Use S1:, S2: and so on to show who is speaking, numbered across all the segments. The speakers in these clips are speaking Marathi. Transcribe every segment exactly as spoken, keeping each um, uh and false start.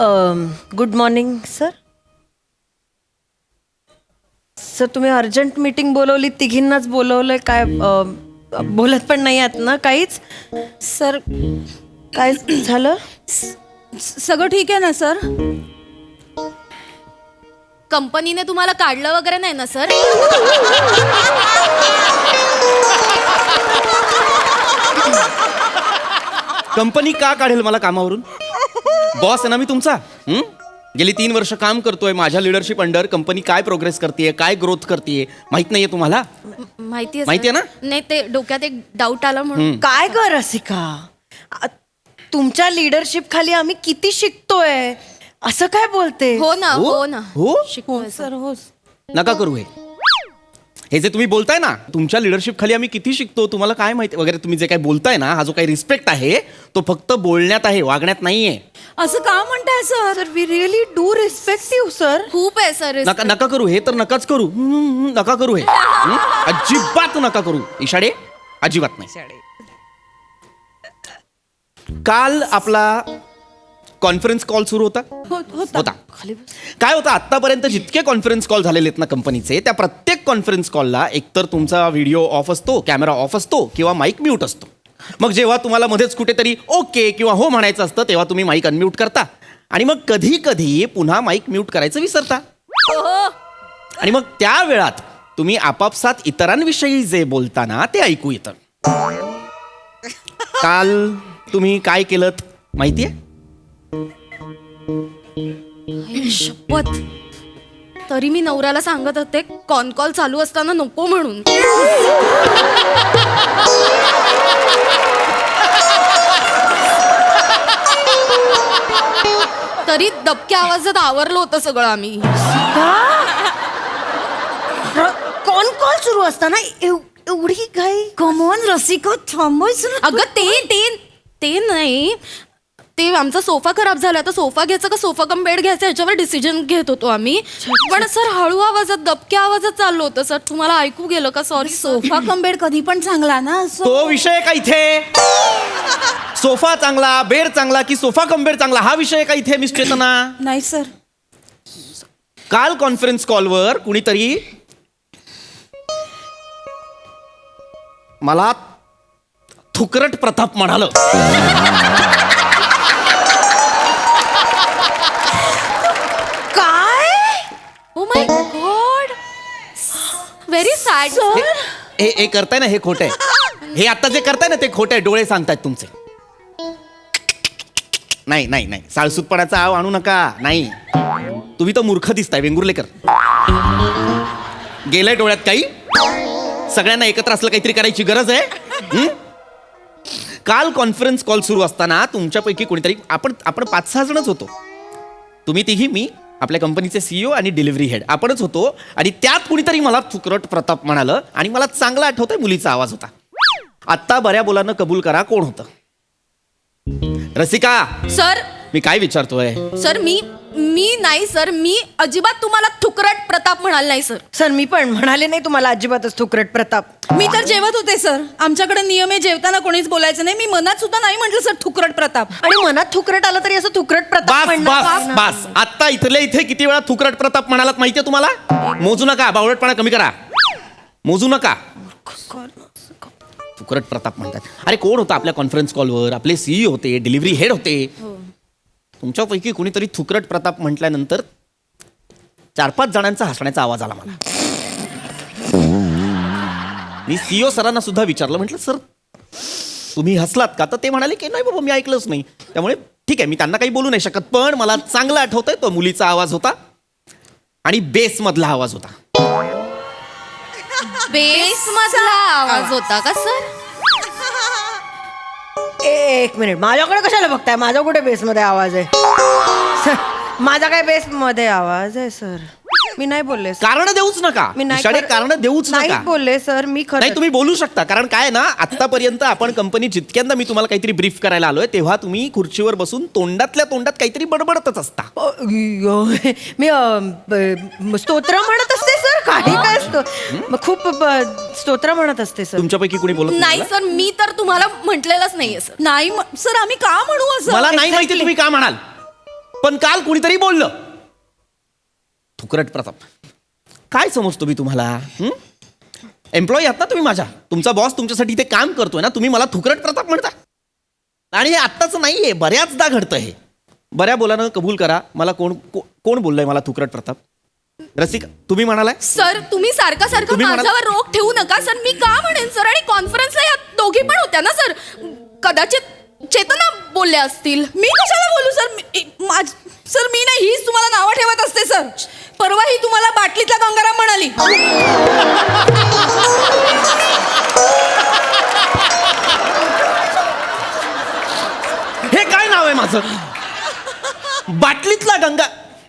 S1: Good morning sir. सर तुम्ही अर्जंट मीटिंग बोलवली, तिघींनाच बोलवलंय काय? अं, बोलत पण नाही आहात ना काहीच? सर काय झालं?
S2: सगळं ठीक आहे ना सर?
S3: कंपनीने तुम्हाला काढलं वगैरे नाही ना सर?
S4: कंपनी का काढेल मला कामावरून? बॉस आहे ना मी तुमचा. हं? गेली तीन वर्ष काम करतोय माझ्या लिडरशिप अंडर. कंपनी काय प्रोग्रेस करते, काय ग्रोथ करते माहित नाहीये तुम्हाला?
S3: माहितीये
S4: माहितीये ना?
S3: नाही, ते डोक्यात एक डाऊट आला म्हणून.
S1: काय ग रसिका, आ, तुमच्या लिडरशिप खाली आम्ही किती शिकतोय, असं काय बोलते?
S3: हो ना,
S4: हो?
S3: हो ना.
S4: हो?
S3: शिकतोय
S1: सर हो.
S4: नका करू हे. हे जे तुम्ही बोलताय ना, तुमच्या लिडरशिप खाली आम्ही किती शिकतो तुम्हाला काय माहिती वगैरे, तुम्ही जे काही बोलताय ना, हा जो काही रिस्पेक्ट आहे तो फक्त बोलण्यात आहे, वागण्यात नाहीये.
S2: असं का म्हणताय sir?
S1: Sir we really do respect you sir.
S3: खूप आहे सर.
S4: नका नका करू हे, तर नकाच करू. हं, हं, नका करू हे. हं? अजिबात नका करू इशाडे, अजिबात नाही. काल आपला कॉन्फरन्स कॉल सुरू होता होता काय होता? आतापर्यंत जितके कॉन्फरन्स कॉल झालेले आहेत ना कंपनीचे, त्या प्रत्येक कॉन्फरन्स कॉलला एकतर तुमचा व्हिडिओ ऑफ असतो, कॅमेरा ऑफ असतो किंवा माईक म्यूट असतो. मग जेव्हा तुम्हाला मध्येच कुठेतरी ओके किंवा हो म्हणायचं असतं तेव्हा तुम्ही माईक अनम्यूट करता आणि मग कधी कधी पुन्हा माईक म्यूट करायचं विसरता. आणि मग त्या वेळात तुम्ही आपापसात इतरांविषयी जे बोलता ना ते ऐकू येतं. काल तुम्ही काय केलं माहितीये?
S3: आई शपथ, तरी मी नवऱ्याला सांगत होते कॉन कॉल चालू असताना नको म्हणून. तरी दबक्या आवाजात आवरलं होतं सगळं आम्ही.
S1: कॉन कॉल सुरू असताना एव- एवढी घाई?
S2: कमॉन रसिका, थांबायचं.
S3: अगं ते ते ते नाही, ते आमचा सोफा खराब झाला, तर सोफा घ्यायचा का सोफा कम बेड घ्यायचा ह्याच्यावर डिसिजन घेत होतो आम्ही. पण सर हळू आवाजात दबक्या आवाजात चाललो होतं सर. तुम्हाला ऐकू गेलं का? सॉरी.
S2: सोफा कम बेड कधी पण चांगला ना. असं
S4: तो विषय का इथे? सोफा चांगला, बेड चांगला की सोफा कम बेड चांगला, हा विषय का इथे मिस चेतना?
S2: नाही सर.
S4: काल कॉन्फरन्स कॉलवर कुणीतरी मला थुकरट प्रताप म्हणालं.
S1: काय?
S3: Oh my god, very sad.
S4: हे हे करताय ना हे खोट आहे. हे आता जे करताय ना ते खोट आहे. डोळे सांगतायत तुमचे. नाही नाही नाही, साळसूतपणाचा आव आणू नका. नाही, तुम्ही तर मूर्ख दिसताय वेंगुर्लेकर. गेलंय डोळ्यात काही? सगळ्यांना एकत्र असलं काहीतरी करायची गरज आहे. हं? काल कॉन्फरन्स कॉल सुरू असताना तुमच्यापैकी कोणीतरी, आपण आपण पाच सहा जणच होतो. तुम्ही तिघी, मी, आपल्या कंपनीचे सीईओ आणि डिलिव्हरी हेड, आपणच होतो. आणि त्यात कुणीतरी मला थुकरट प्रताप म्हणालं आणि मला चांगला आठवतोय मुलीचा आवाज होता. आत्ता बऱ्या बोलानं कबूल करा कोण होतं? रसिका,
S3: सर
S4: मी काय विचारतोय?
S3: सर मी मी नाही सर, मी अजिबात तुम्हाला थुकरट प्रताप म्हणाल नाही सर.
S1: सर मी पण म्हणाले नाही तुम्हाला अजिबातच थुकरट प्रताप.
S2: मी तर जेवत होते सर. आमच्याकडे नियम आहे जेवताना कोणीच बोलायचं नाही. मी मनात सुद्धा नाही म्हटलं सर थुकरट प्रताप.
S1: आणि मनात थुकरट आलं तरी असं थुकरट प्रताप
S4: बास
S1: म्हणणार
S4: बास
S1: का?
S4: बास. आत्ता इथले इथे किती वेळा थुकरट प्रताप म्हणालात माहितीये तुम्हाला? मोजू नका, बावळटपणा कमी करा. मोजू नका. थुकरट प्रताप म्हणतात. अरे कोण होता आपल्या कॉन्फरन्स कॉलवर? आपले सीई होते, डिलिव्हरी हेड होते. तुमच्यापैकी कुणीतरी थुकरट प्रताप म्हटल्यानंतर चार पाच जणांचा हसण्याचा आवाज आला मला. मी सीईओ सरांना सुद्धा विचारलं, म्हटलं सर तुम्ही हसलात का? तर ते म्हणाले की नाही बाबा मी ऐकलंच नाही. त्यामुळे ठीक आहे, मी त्यांना काही बोलू नाही शकत. पण मला चांगलं आठवतंय तो मुलीचा आवाज होता आणि बेस मधला आवाज होता.
S3: बेस मधला आवाज होता का सर?
S1: एक मिनिट, माझ्याकडे कशाला बघताय? माझा कुठे बेसमध्ये आवाज आहे? सर माझा काय बेसमध्ये आवाज आहे सर? मी नाही बोलले सर.
S4: कारण देऊच नका.
S1: मी नाही
S4: इशाडे
S1: कर-
S4: कारण देऊच
S1: नाही
S4: नका.
S1: बोलले सर मी. खरं
S4: नाही तुम्ही बोलू शकता. कारण काय ना, आतापर्यंत आपण कंपनी जितक्यांदा मी तुम्हाला काहीतरी ब्रीफ करायला आलोय तेव्हा तुम्ही खुर्चीवर बसून तोंडातल्या तोंडात काहीतरी बडबडतच असता.
S1: मी अ, ब- स्तोत्र म्हणत असते सर. काही काय असतो, मग खूप ब- स्तोत्र म्हणत असते सर.
S4: तुमच्यापैकी कोणी बोलत
S3: नाही
S4: नाही?
S3: सर, मी तर तुम्हाला म्हटलेलंच नाहीये सर.
S2: नाही म- सर आम्ही का म्हणू असं?
S4: मला नाही माहिती तुम्ही का म्हणाल. पण काल कुणीतरी बोललं. थुकरट प्रताप, काय समजतो मी तुम्हाला? एम्प्लॉई आहात ना तुम्ही माझ्या. तुमचा बॉस तुमच्यासाठी इथे काम करतोय ना, तुम्ही मला थुकरट प्रताप म्हणता. आणि हे आत्ताच नाहीये, बऱ्याचदा घडतं हे. बऱ्या बोलानं कबूल करा, मला कोण को- कोण बोललंय मला थुकरट प्रताप? रसिका, तुम्ही म्हणालाय?
S3: सर तुम्ही सारखं सारखं
S4: तुम्ही म्हणाल-
S3: माझ्यावर रोख ठेवू नका सर. मी का म्हणेन सर? आणि कॉन्फरन्सला या दोघी पण होत्या ना सर. कदाचित चेतना बोलल्या असतील.
S2: मी कशाला बोलू सर? मी- माझ- सर मी नाही, हीच तुम्हाला नावं ठेवत असते सर. परवा ही तुम्हाला बाटलीतला गंगाराम म्हणाली.
S4: हे काय नाव आहे माझं? बाटलीतला गंगा.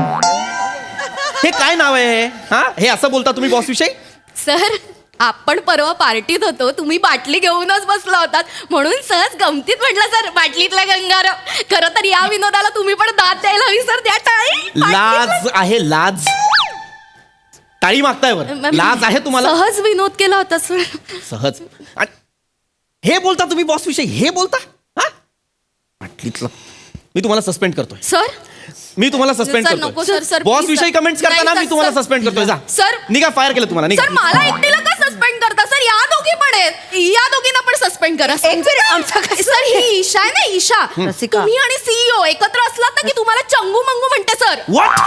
S4: हे काय नाव आहे? हा, हे असं बोलता तुम्ही बॉस विषयी?
S3: सर आपण परवा पार्टीत होतो, तुम्ही बाटली घेऊनच बसला होतात म्हणून सहज गमतीत म्हटलं सर बाटलीतला गंगाराम. खरं तर या विनोदाला तुम्ही पण दाद द्यायला हवी सर. त्या टाळी
S4: लाज आहे, लाज. टाळी मागताय वर. लाज आहे तुम्हाला?
S3: सहज विनोद केला होता सर.
S4: सहज. आणि हे बोलता तुम्ही बॉस विषयी? हे बोलता? हा, बाटलीतलं. मी तुम्हाला सस्पेंड करतोय.
S3: सर
S4: मी तुम्हाला सस्पेंड
S3: सर, नको सर,
S4: करतोय.
S3: सर,
S4: बॉस
S3: please,
S4: विषयी
S3: सर.
S4: कमेंट्स करताना
S3: नाही,
S4: मी
S3: सर,
S4: तुम्हाला
S3: सर.
S4: सस्पेंड करतोय. जा
S3: सर.
S4: निघा, फायर केलं तुम्हाला. निघा.
S3: सर मला एकटीला का सस्पेंड करता सर? या दोघी पण आहेत, या दोघींना पण सस्पेंड करा.
S1: एक मिनिट, आमचा काय-
S3: सर ही ईशा आहे ना, ईशा.
S1: रसिका.
S3: तुम्ही आणि सीईओ एकत्र असलात ना की तुम्हाला चंगू मंगू म्हणते सर.
S4: What?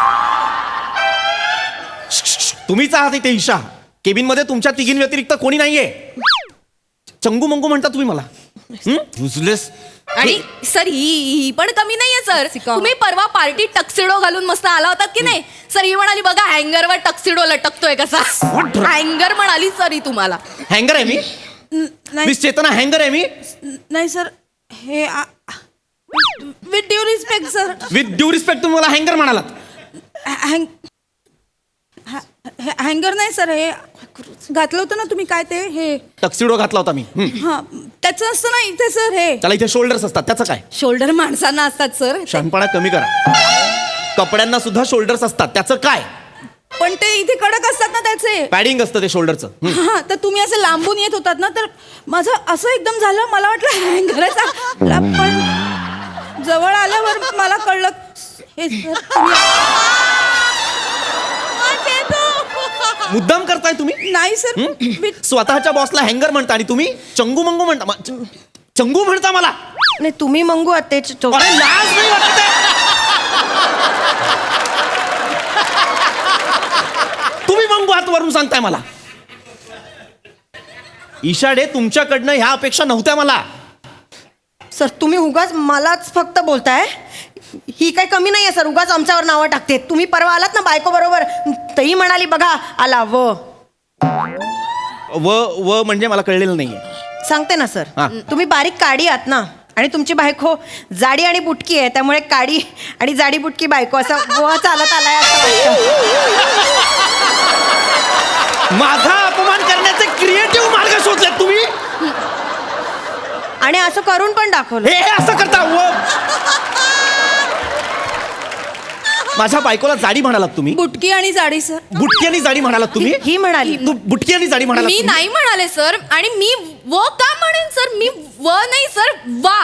S4: तुम्हीच आहात इथे ईशा. केबिन मध्ये तुमच्या तिघीं व्यतिरिक्त कोणी नाहीये. चंगू मंगू म्हणता तुम्ही मला. युजलेस.
S3: आणि सर ही ही पण कमी नाहीये सर. तुम्ही परवा पार्टीत टक्सिडो घालून मस्त आला होतात की नाही सर. ही म्हणाली बघा हँगरवर टक्सिडो लटकतोय कसा.
S4: What?
S3: हँगर म्हणाली सर ही तुम्हाला.
S4: हँगर आहे मी?
S2: न- नाही
S4: मिस चेतना, हँगर आहे मी?
S2: नाही सर, हे with due respect sir.
S4: With due respect तुम्ही मला हँगर म्हणालात.
S2: हँग हँगर नाही सर, हे घातलं होतं ना तुम्ही काय ते हे.
S4: टक्सिडो घातला होता मी. हम्म.
S2: हा त्याचं असतं ना इथे सर. हे
S4: त्याला इथे शोल्डर्स असतात, त्याचं काय?
S2: शोल्डर माणसांना असतात सर.
S4: शहाणपणा कमी करा. कपड्यांना सुद्धा शोल्डर्स असतात, त्याचं काय?
S2: पण ते इथे कडक असतात ना त्याचे.
S4: पॅडिंग असतं ते शोल्डरचं.
S2: हा तर तुम्ही असं लांबून येत होतात ना, तर माझं असं एकदम झालं. मला वाटलं हँगरच पण जवळ आल्यावर मला कळलं हे सर तुम्ही-
S4: मुद्दाम करताय तुम्ही?
S2: नाही सर. मी-
S4: स्वतःच्या बॉसला हँगर म्हणता आणि तुम्ही चंगू मंगू म्हणता. मा- च- चंगू म्हणता मला?
S1: नाही तुम्ही मंगू आहात ते चो-
S4: अरे लाज नाही वाटत आहे? तुम्ही मंगू हात वरून सांगताय मला. ईशाडे, तुमच्याकडनं ह्या अपेक्षा नव्हत्या मला.
S1: सर तुम्ही उगाच मलाच फक्त बोलताय. ही काय कमी नाहीये सर, उगाच आमच्यावर नावं टाकते. तुम्ही परवा आलात ना बायको बरोबर, तही म्हणाली बघा आला व
S4: व व म्हणजे मला कळलेलं नाहीये.
S1: सांगते ना सर.
S4: हा.
S1: तुम्ही बारीक काडी आहात ना, आणि तुमची बायको जाडी आणि बुटकी आहे, त्यामुळे काडी आणि जाडी बुटकी बायको असं व चालत आलाय असं वाटतं.
S4: माझा अपमान करण्याचे क्रिएटिव्ह मार्ग शोधलेत तुम्ही.
S1: आणि असं करून पण दाखवलं.
S4: हे हे असं करता व माझ्या बायकोला जाडी म्हणालात तुम्ही.
S2: बुटकी आणि जाडी सर.
S4: बुटकी आणि जाडी म्हणालात तुम्ही.
S1: ही म्हणाली.
S4: तू बुटकी आणि जाडी म्हणालात
S3: मी
S4: तुम्ही?
S3: नाही म्हणाले सर. आणि मी व का म्हणेन सर? मी व नाही सर, वा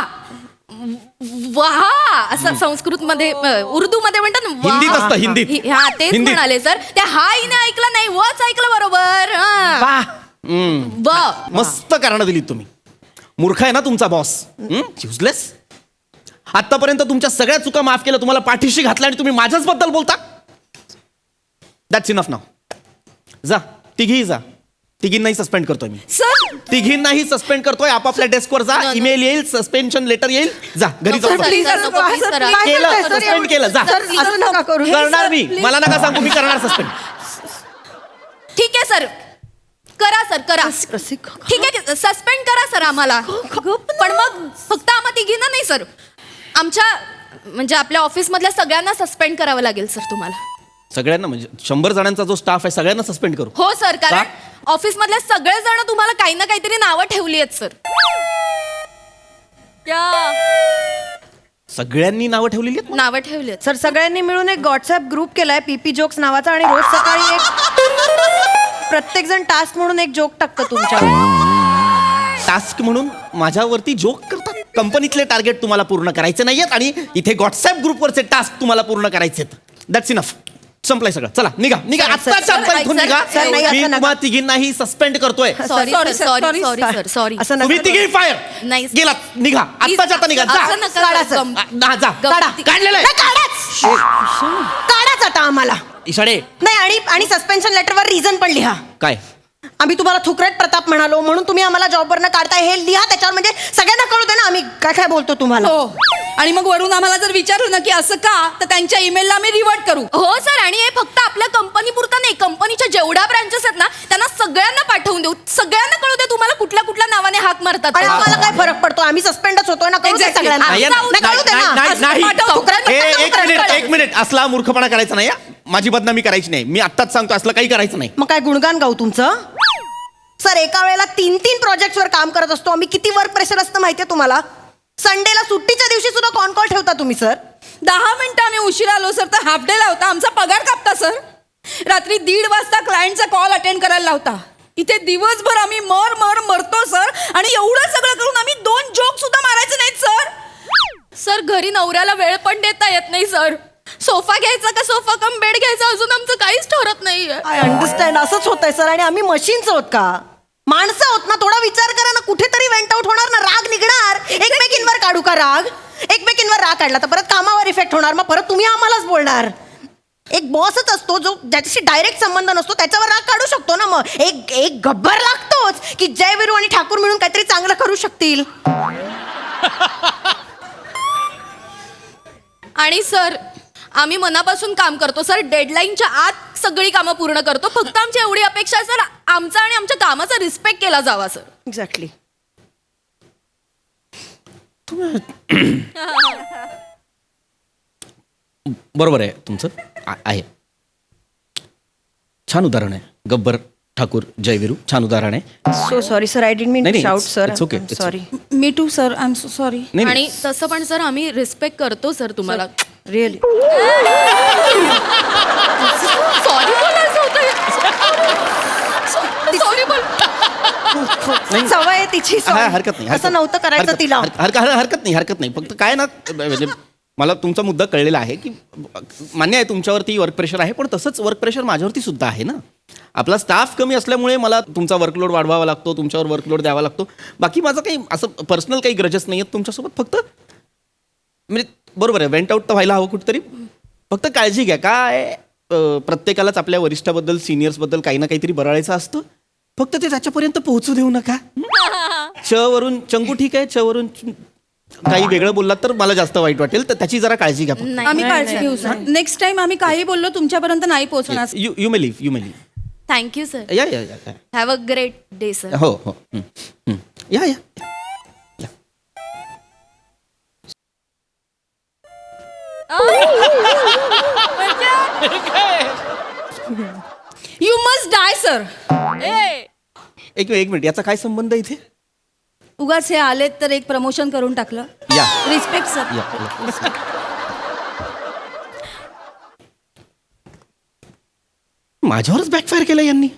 S3: वहा असं संस्कृत मध्ये उर्दू मध्ये म्हणतात ना, वाह.
S4: हिंदीत असतं, हिंदीत.
S3: हि- हा तेच
S4: हिंदीत.
S3: म्हणाले सर. त्या हा हिने ऐकलं नाही, वच ऐकलं बरोबर. हा.
S1: वाह.
S4: हम्म.
S3: व
S4: मस्त कारण दिलीत तुम्ही. मूर्ख आहे ना तुमचा बॉस. युजलेस. आतापर्यंत तुमच्या सगळ्या चुका माफ केल्या, तुम्हाला पाठीशी घातल्या आणि तुम्ही माझ्याच बद्दल बोलता. दॅट्स इनफ नाव. जा तिघी जा. तिघींनाही सस्पेंड करतोय मी.
S2: सर
S4: तिघींनाही सस्पेंड करतोय. आपापल्या डेस्कवर जा.
S3: No, no.
S4: ईमेल येईल, सस्पेन्शन लेटर येईल. जा घरी
S3: नको,
S4: जाऊ.
S3: सर,
S2: please,
S3: सर,
S2: सर,
S3: नको,
S2: sir,
S3: please,
S2: sir,
S3: sir.
S2: please.
S4: केलं,
S1: काय करताय, सर?
S4: सस्पेंड केलं. जा.
S1: सर, असं नका करू.
S4: करणार मी.
S2: please.
S4: मला नका सांगू, मी करणार सस्पेंड.
S3: ठीक आहे सर, करा सर करा.
S1: रसिका.
S3: ठीक आहे सस्पेंड करा सर आम्हाला. पण मग फक्त आम्हा तिघींना नाही सर, आमच्या म्हणजे आपल्या ऑफिस मधल्या सगळ्यांना सस्पेंड करावं लागेल सर तुम्हाला.
S4: सगळ्यांना म्हणजे शंभर जणांचा जो स्टाफ आहे सगळ्यांना सस्पेंड करू.
S3: हो सर, कारण
S4: का?
S3: ऑफिस मधले सगळे जण तुम्हाला काही ना काहीतरी नावं ठेवली आहेत सर.
S4: सगळ्यांनी नावं ठेवलेली आहेत.
S3: नावं ठेवली आहेत.
S1: सर सगळ्यांनी मिळून एक व्हॉट्सअप ग्रुप केलाय पीपी जोक्स नावाचा, आणि रोज सकाळी एक प्रत्येक जण टास्क म्हणून एक जोक टाकतो तुमच्यावर.
S4: टास्क म्हणून माझ्यावरती जोक करतात. कंपनीतले टार्गेट तुम्हाला पूर्ण करायचे नाहीयेत आणि इथे व्हॉट्सअप ग्रुपवरचे टास्क तुम्हाला पूर्ण करायचे आहेत. That's enough. संपलंय सगळं. चला निघा निघा
S1: सर,
S4: आत्ताच्या
S3: सर,
S4: आत्ता इथून
S3: सर,
S4: निघा.
S1: सर, नाही,
S4: मी
S1: असं नका.
S4: तुम्हा तिघींनाही सस्पेंड करतोय.
S3: Sorry
S2: sorry,
S3: sir
S2: sir,
S3: sorry
S2: sorry,
S3: sorry sir sorry
S1: असं
S4: तुम्ही
S1: नका.
S4: तिघी फायर.
S3: नाही.
S4: गेलात निघा आत्ताच्या आता निघा. जा.
S3: असं नका
S1: काढा,
S3: सर.
S1: सर.
S3: गम-
S4: आ, जा
S1: काढा.
S4: काढलेलं आहे.
S1: नाही, काढाच काढाच आता आम्हाला.
S4: इशाडे
S1: नाही आणि आणि सस्पेन्शन लेटरवर रिझन पण लिहा.
S4: काय
S1: आम्ही तुम्हाला थुकरेट प्रताप म्हणालो म्हणून तुम्ही आम्हाला जॉबवरनं काढताय हे लिहा त्याच्यावर, म्हणजे सगळ्यांना कळू दे ना आम्ही काय काय बोलतो तुम्हाला.
S2: हो आणि मग वरून आम्हाला जर विचारलं ना की असं का, तर त्यांच्या ईमेलला आम्ही रिवर्ट करू.
S3: हो सर आणि हे फक्त आपल्या कंपनी पुरता नाही, कंपनीच्या जेवढ्या ब्रांचेस आहेत ना त्यांना सगळ्यांना पाठवून देऊ. सगळ्यांना कळू दे तुम्हाला कुठल्या कुठल्या नावाने हाक मारतात.
S1: आणि आम्हाला काय फरक पडतो, आम्ही सस्पेंडच होतोय ना, कळू दे
S2: Exactly.
S1: सगळ्यांना.
S4: नाही,
S1: नाही,
S4: नाही,
S1: कळू दे ना.
S4: नाही,
S1: असं
S4: नाही.
S1: पाठव, थुकरेट
S4: ए,
S1: प्रताप
S4: एक
S1: थुकरेट
S4: मिनिट
S1: प्रताप.
S4: एक मिनिट असला मूर्खपणा करायचा नाही हा. माझी बदनामी करायची नाही. मी आत्ताच सांगतो असलं काही करायचं नाही.
S1: मग काय गुणगान गाऊ तुमचं? सर एका वेळेला तीन तीन प्रोजेक्टवर काम करत असतो आम्ही. किती वर्क प्रेशर असतं माहितीये तुम्हाला? संडेला सुट्टीच्या दिवशी सुद्धा कॉन कॉल ठेवता तुम्ही सर.
S2: दहा मिनिटं आम्ही उशिरा आलो सर तर हाफ डे ला होता आमचा पगार कापता सर. रात्री दीड वाजता क्लायंटचा कॉल अटेंड करायला लावता. इथे दिवसभर आम्ही मर मर मरतो सर आणि एवढं सगळं करून आम्ही दोन जोक सुद्धा मारायचे नाहीत सर.
S3: सर घरी नवऱ्याला वेळ पण देता येत नाही सर. सोफा घ्यायचा का सोफा कम बेड घ्यायचा अजून आमचं काहीच ठरत नाहीये.
S1: I understand. असंच होतंय सर. आणि आम्ही मशीन्स आहोत का? माणसं आहोत ना. थोडा विचार करा ना. कुठेतरी वेंट आउट होणार ना. राग निघणार. एकमेकींवर काढू का राग? एकमेकींवर राग काढला तर परत कामावर इफेक्ट होणार. मग परत तुम्ही आम्हालाच बोलणार. एक बॉसच असतो जो ज्याच्याशी डायरेक्ट संबंध नसतो त्याच्यावर राग काढू शकतो ना. मग एक एक गब्बर लागतोच की जय विरू आणि ठाकूर मिळून काहीतरी चांगलं करू शकतील.
S3: आणि सर आम्ही मनापासून काम करतो सर. डेडलाईनच्या आत सगळी कामं पूर्ण करतो. फक्त आमची एवढी अपेक्षा आहे सर, आमचा आणि आमच्या कामाचा रिस्पेक्ट केला जावा सर.
S1: एक्झॅक्टली.
S4: बरोबर आहे तुमचं. आ- आहे छान उदाहरण आहे. गब्बर ठाकूर जयवीरू छान उदाहरण आहे.
S1: So sorry sir. I didn't mean
S4: नाही,
S1: टू
S4: नाही,
S1: shout
S4: it's-
S1: sir.
S4: it's okay, it's
S1: sorry.
S2: मी too sir I am so sorry.
S4: नाही,
S3: आणि
S4: नाही
S3: तसं पण सर आम्ही रिस्पेक्ट करतो सर तुम्हाला.
S1: रिअली.
S3: सॉरी बोलायचं होतं. सॉरी बोल.
S1: सवय आहे तिची.
S4: हा,
S1: sorry.
S4: हरकत नाही.
S1: असं
S4: हरकत-
S1: नव्हतं करायचं
S4: हरकत-
S1: तिला.
S4: हरकत हरकत- हरकत नाही हरकत नाही. फक्त काय ना म्हणजे मला तुमचा मुद्दा कळलेला आहे की मान्य आहे तुमच्यावरती वर्क प्रेशर आहे, पण तसंच वर्क प्रेशर माझ्यावरती सुद्धा आहे ना. आपला स्टाफ कमी असल्यामुळे मला तुमचा वर्कलोड वाढवावा लागतो, तुमच्यावर वर्कलोड द्यावा लागतो. बाकी माझं काही असं पर्सनल काही ग्रजेस नाही आहेत तुमच्यासोबत. फक्त म्हणजे बरोबर आहे वेंट आउट तर व्हायला हवं कुठेतरी. फक्त काळजी घ्या. काय अं, प्रत्येकालाच आपल्या वरिष्ठाबद्दल सिनियर्सबद्दल काही ना काहीतरी बराळायचं असतं. फक्त ते त्याच्यापर्यंत पोहोचू देऊ नका. च वरून चंकू ठीक आहे, च वरून काही वेगळं बोललात तर मला जास्त वाईट वाटेल, तर त्याची जरा काळजी घ्या.
S3: नाही.
S2: आम्ही काळजी घेऊ सर. नेक्स्ट टाइम आम्ही काही बोललो तुमच्यापर्यंत नाही पोहोचणार.
S4: You you may leave you may leave.
S3: Thank you sir.
S4: Yeah yeah yeah
S3: have a great day sir.
S4: हो हो हं, हं. Yeah yeah yeah.
S2: You must die sir.
S4: एक एक मिनिट याचा काय संबंध आहे इथे?
S2: उगाच हे आलेत तर एक प्रमोशन करून टाकलं.
S4: या
S2: रिस्पेक्ट सर.
S4: या या. माझ्यावरच बॅकफायर केलं यांनी.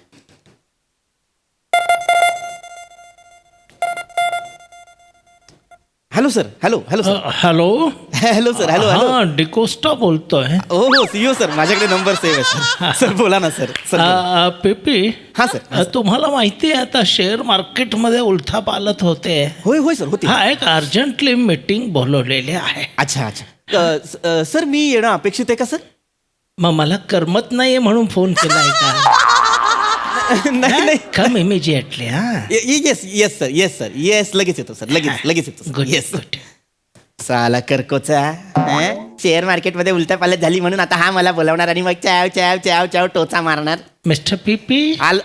S4: Hello sir. Hello hello sir.
S5: Hello
S4: hello sir. Hello hello.
S5: हा डिकोस्टा बोलतोय.
S4: हो हो सीओ सर. माझ्याकडे नंबर सेव्ह आहे सर. सर बोला ना सर. सर बोला.
S5: अ, पिपी
S4: हा सर.
S5: अ, तुम्हाला माहिती आहे आता शेअर मार्केटमध्ये उलथापालथ होते.
S4: होय होय सर होती.
S5: हा एक अर्जंटली मीटिंग बोलवलेली आहे.
S4: अच्छा अच्छा. अ, स- अ, सर मी येणं अपेक्षित आहे का सर?
S5: मग मला करमत नाहीये म्हणून फोन केलाय का?
S4: नाही नाही.
S5: Come immediately. हा
S4: yes yes sir yes sir yes लगेच येतो सर. लगेच लगेच येतो सर.
S5: Good
S4: yes.
S5: गुड.
S4: साला करकोचा शेअर मार्केटमध्ये उलटा पालट झाली म्हणून आता हा मला बोलावणार आणि मग चाव चाव चाव चाव टोचा मारणार.
S5: मिस्टर पीपी
S4: आल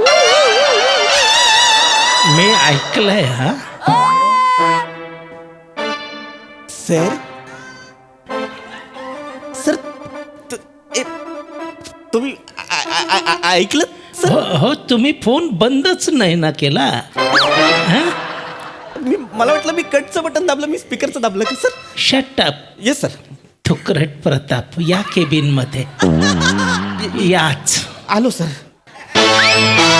S5: मी ऐकलंय. हा
S4: सर सर तु- ए, तुम्ही आ- आ- आ- आ- ऐकलं सर?
S5: हो हो तुम्ही फोन बंदच नाही ना केला. हा
S4: मी मला वाटलं मी कटचं बटन दाबलं, मी स्पीकरचं दाबलं का sir?
S5: Shut up.
S4: Yes sir.
S5: Thukrat Pratap या केबिन मध्ये याच.
S4: आलो सर.